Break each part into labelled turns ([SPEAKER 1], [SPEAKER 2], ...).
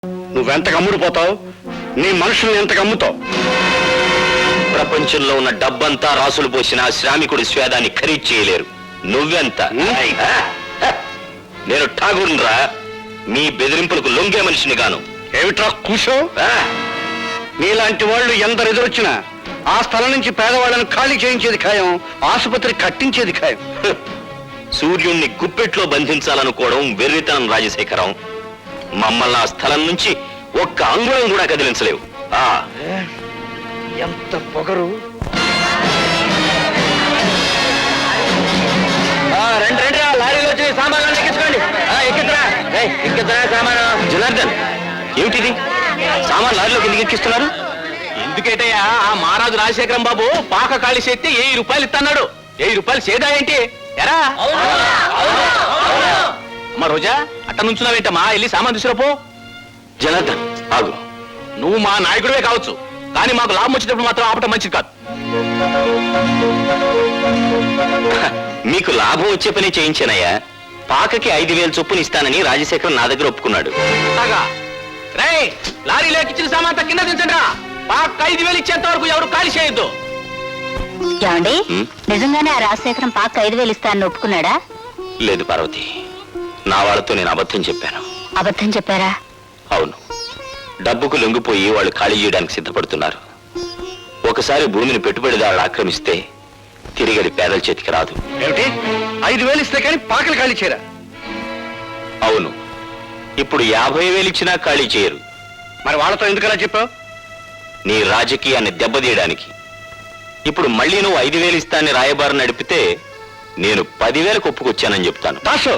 [SPEAKER 1] నువ్వెంతకు అమ్ముడుపోతావు, నీ మనుషుల్ని ఎంతకు అమ్ముతావు?
[SPEAKER 2] ప్రపంచంలో ఉన్న డబ్బంతా రాసులు పోసిన శ్రామికుడి స్వేదాన్ని ఖరీదు చేయలేరు. నువ్వెంత? నేను ఠాగూర్రా, మీ బెదిరింపులకు లొంగే మనిషిని గాను.
[SPEAKER 1] ఏమిట్రా కూసో? నీలాంటి వాళ్ళు ఎందరు ఎదురొచ్చినా ఆ స్థలం నుంచి పేదవాళ్ళను ఖాళీ చేయించేది ఖాయం, ఆసుపత్రి కట్టించేది ఖాయం.
[SPEAKER 2] సూర్యుణ్ణి గుప్పెట్లో బంధించాలనుకోవడం వెర్రితనం రాజశేఖరం. మమ్మల్ని ఆ స్థలం నుంచి ఒక్క అంగుళం కూడా కదిలించలేవు.
[SPEAKER 1] ఎంత పొగరు!
[SPEAKER 2] లారీలో వచ్చి సామాన్లు ఎక్కించుకోండి. ఎక్కించరా సామాను. జనార్దన్, ఏమిటిది? సామాన్ లారీలోకి ఎందుకు ఎక్కిస్తున్నారు?
[SPEAKER 3] ఎందుకేటయ్యా, ఆ మహారాజు రాజశేఖరం బాబు పాక ఖాళీ చేస్తే 1000 రూపాయలు ఇస్తున్నాడు. 1000 రూపాయలు చేదా ఏంటి? ఎరా అమ్మ రోజా, అట్ట నుంచున్నావేంటమ్మా? వెళ్ళి సామాన్ తీసుకురాపో.
[SPEAKER 2] జనార్దన్ ఆగు.
[SPEAKER 3] నువ్వు మా నాయకుడివే కావచ్చు, కానీ మాకు లాభం వచ్చేటప్పుడు మాత్రం ఆపటం మంచిది కాదు.
[SPEAKER 2] మీకు లాభం వచ్చే పని చేయించానయ్యా. పాకకి 5000 చొప్పున ఇస్తానని రాజశేఖరం నా దగ్గర ఒప్పుకున్నాడు.
[SPEAKER 3] రేయ్, లారీలో ఎక్కించిన సామాన్ కింద దించండి రా. పాక 5000 ఇచ్చేంత వరకు ఎవరు ఖాళీ చేయొద్దు.
[SPEAKER 4] ఏమండి, నిజంగానే ఆ రాజశేఖరం పాక 5000 ఇస్తానని ఒప్పుకున్నాడా?
[SPEAKER 2] లేదు పార్వతి, నా వాళ్ళతో నేను అబద్ధం చెప్పాను.
[SPEAKER 4] అబద్ధం చెప్పారా?
[SPEAKER 2] అవును, డబ్బుకు లొంగిపోయి వాళ్ళు ఖాళీ చేయడానికి సిద్ధపడుతున్నారు. ఒకసారి భూమిని పెట్టుబడిదారులు ఆక్రమిస్తే తిరిగడి పేదల చేతికి రాదు.
[SPEAKER 1] ఏమిటి? 5000 ఇస్తే కానీ పాకలు ఖాళీ చేయరా?
[SPEAKER 2] అవును, ఇప్పుడు 50,000 ఇచ్చినా ఖాళీ చేయరు.
[SPEAKER 1] మరి వాళ్ళతో ఎందుకలా చెప్పావు?
[SPEAKER 2] నీ రాజకీయాన్ని దెబ్బతీయడానికి. ఇప్పుడు మళ్ళీ నువ్వు 5,000 ఇస్తానని రాయబారం నడిపితే నేను 10,000కు ఒప్పుకొచ్చానని చెప్తాను.
[SPEAKER 1] దాసు,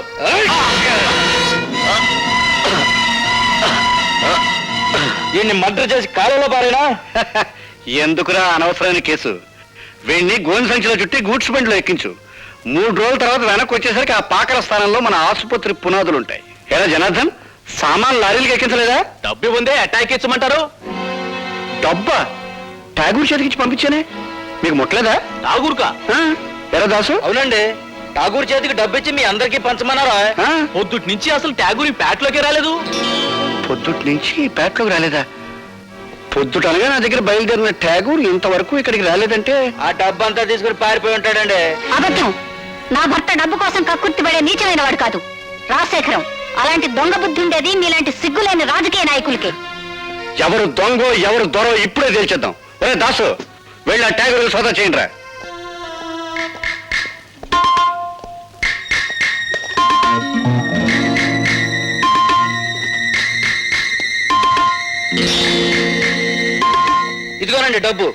[SPEAKER 3] వీడిని మర్డర్ చేసి కాలంలో పారేనా?
[SPEAKER 1] ఎందుకురా అనవసరమైన కేసు? వీడిని గోని సంచిలో చుట్టి గూడ్స్ బండిలో ఎక్కించు. 3 రోజుల తర్వాత వెనక్కి వచ్చేసరికి ఆ పాకల స్థానంలో మన ఆసుపత్రి పునాదులు ఉంటాయి. ఏరా జనార్దన్, సామాన్ లారీలకు ఎక్కించలేదా?
[SPEAKER 3] డబ్బు ఉందే అటాక్ ఇచ్చమంటారు.
[SPEAKER 1] డబ్బా ఠాగూర్ చేతికిచ్చి పంపించానే, మీకు ముట్టలేదా?
[SPEAKER 3] ఠాగూర్కా?
[SPEAKER 1] ఎరా దాసు?
[SPEAKER 3] అవునండి, ఠాగూర్ చేతికి డబ్బు ఇచ్చి మీ అందరికీ పంచమన్నారా? పొద్దుటి నుంచి అసలు ఠాగూర్ ఈ పేటలోకి రాలేదు.
[SPEAKER 1] పొద్దుటి నుంచి పేటలోకి రాలేదా? పొద్దుట అనగా నా దగ్గర బయలుదేరిన ఠాగూర్ ఇంతవరకు ఇక్కడికి రాలేదంటే
[SPEAKER 3] ఆ డబ్బు అంతా తీసుకుని పారిపోయి ఉంటాడండి.
[SPEAKER 4] అబద్ధం. నా భర్త డబ్బు కోసం కక్కుర్తిపడే నీచమైన వాడు కాదు రాజశేఖరం. అలాంటి దొంగ బుద్ధి ఉండేది మీలాంటి సిగ్గులేని రాజకీయ నాయకులకి.
[SPEAKER 1] ఎవరు దొంగో ఎవరు దొరో ఇప్పుడే తేల్చేద్దాం. ఒరే దాసు, వెళ్ళి ఆ ఠాగూర్ సోదా చేయండి రా.
[SPEAKER 3] ఇదిగోనండి డబ్బు.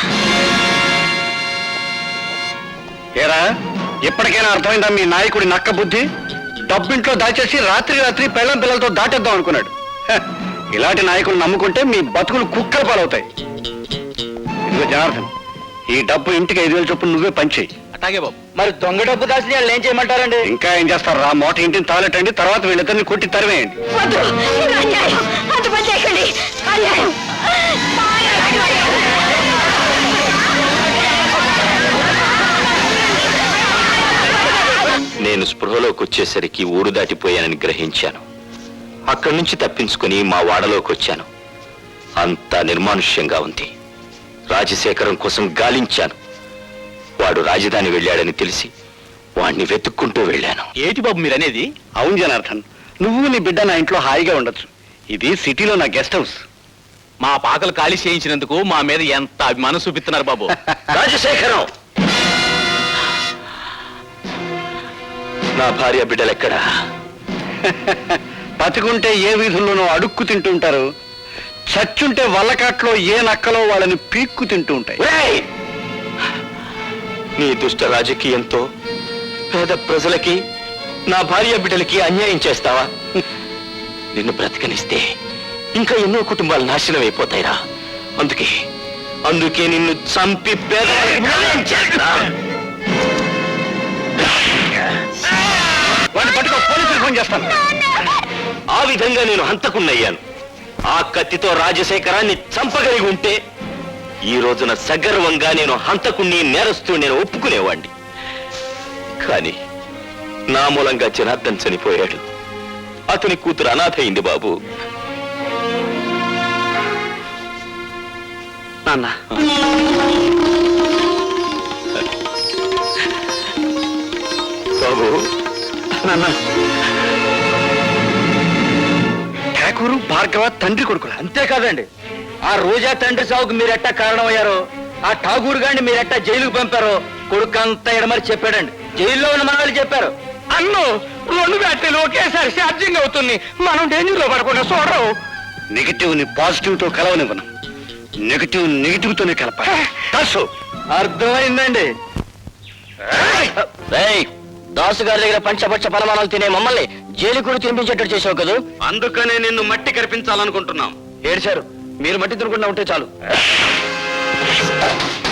[SPEAKER 1] ఏరా, ఇప్పటికైనా అర్థమైందా మీ నాయకుడి నక్క బుద్ధి? డబ్బింట్లో దాచేసి రాత్రి పెళ్ళం పిల్లలతో దాటేద్దాం అనుకున్నాడు. ఇలాంటి నాయకులు నమ్ముకుంటే మీ బతుకులు కుక్కల పాలవుతాయి. ఇదిగో జనార్దన్, ఈ డబ్బు ఇంటికి 5,000 చొప్పున నువ్వే పంచేయి.
[SPEAKER 3] అట్లాగే బాబు. మరి దొంగ డబ్బు దాచిన వాళ్ళు ఏం చేయమంటారండి?
[SPEAKER 1] ఇంకా ఏం చేస్తారు రా, మోట ఇంటిని తాలెట్టండి, తర్వాత వీళ్ళిద్దరిని కొట్టి తరివేయండి.
[SPEAKER 2] నేను స్పృహలోకి వచ్చేసరికి ఊరు దాటిపోయానని గ్రహించాను. అక్కడి నుంచి తప్పించుకుని మా వాడలోకి వచ్చాను. అంతా నిర్మానుష్యంగా ఉంది. రాజశేఖరం కోసం గాలించాను. వాడు రాజధాని వెళ్ళాడని తెలిసి వాణ్ణి వెతుక్కుంటూ వెళ్ళాను.
[SPEAKER 3] ఏంటి బాబు మీరనేది?
[SPEAKER 1] అవును జనార్దన్, నువ్వు నీ బిడ్డ నా ఇంట్లో హాయిగా ఉండొచ్చు. ఇది సిటీలో నా గెస్ట్ హౌస్.
[SPEAKER 3] మా పాకలు ఖాళీ చేయించినందుకు మా మీద ఎంత అభిమానం చూపిస్తున్నారు బాబు.
[SPEAKER 2] రాజశేఖరం, నా భార్య బిడ్డలెక్కడా?
[SPEAKER 1] బతికుంటే ఏ వీధుల్లోనో అడుక్కు తింటుంటారు, చచ్చుంటే వల్లకాట్లో ఏ నక్కలో వాళ్ళని పీక్కు తింటూ ఉంటాయి.
[SPEAKER 2] ఒరేయ్! నీ దుష్ట రాజకీయంతో పేద ప్రజలకి, నా భార్య బిడ్డలకి అన్యాయం చేస్తావా? నిన్ను బ్రతకనిస్తే ఇంకా ఎన్నో కుటుంబాలు నాశనం అయిపోతాయిరా. అందుకే నిన్ను చంపి
[SPEAKER 1] పోలీసులు ఫోన్ చేస్తాను.
[SPEAKER 2] ఆ విధంగా నేను హంతకున్నయ్యాను. ఆ కత్తితో రాజశేఖరాన్ని చంపగలిగి ఉంటే ఈ రోజున సగర్వంగా నేను హంతకుణ్ణి, నేరస్తూ నేను ఒప్పుకునేవాణ్ణి. కానీ నా మూలంగా జనార్దన్ చనిపోయాడు. అతని కూతురు అనాథ అయింది బాబు.
[SPEAKER 1] నాన్న.
[SPEAKER 2] బాబు
[SPEAKER 1] నాన్న, ఠాకూరు భార్గవ తండ్రి కొడుకులా.
[SPEAKER 3] అంతేకాదండి, ఆ రోజా తండ్రి సాగుకు మీరెట్టా కారణమయ్యారో, ఆ ఠాగూర్ గారిని మీరెట్టా జైలుకు పంపారో కొడుకంతా ఎడమరి చెప్పాడండి. జైల్లో ఉన్న మనవాళ్ళు చెప్పారు. అన్ను 2 బ్యాటరీలు ఒకేసారి ఛార్జింగ్ అవుతుంది, మనం డేంజర్ లో పడకుండా చూడరు.
[SPEAKER 1] నెగిటివ్ ని పాజిటివ్ తో కలవనివ్వను, నెగిటివ్ తోనే కలపాలి.
[SPEAKER 3] అర్థమైందండి.
[SPEAKER 2] దాసు గారి దగ్గర పంచపక్ష పరమాణాలు తినే మమ్మల్ని జైలు కూడా తినిపించేటట్టు చేసావు కదా.
[SPEAKER 1] అందుకనే నిన్ను మట్టి కనిపించాలనుకుంటున్నాం.
[SPEAKER 2] ఏడ్చారు, మీరు మట్టి తినకుండా ఉంటే చాలు.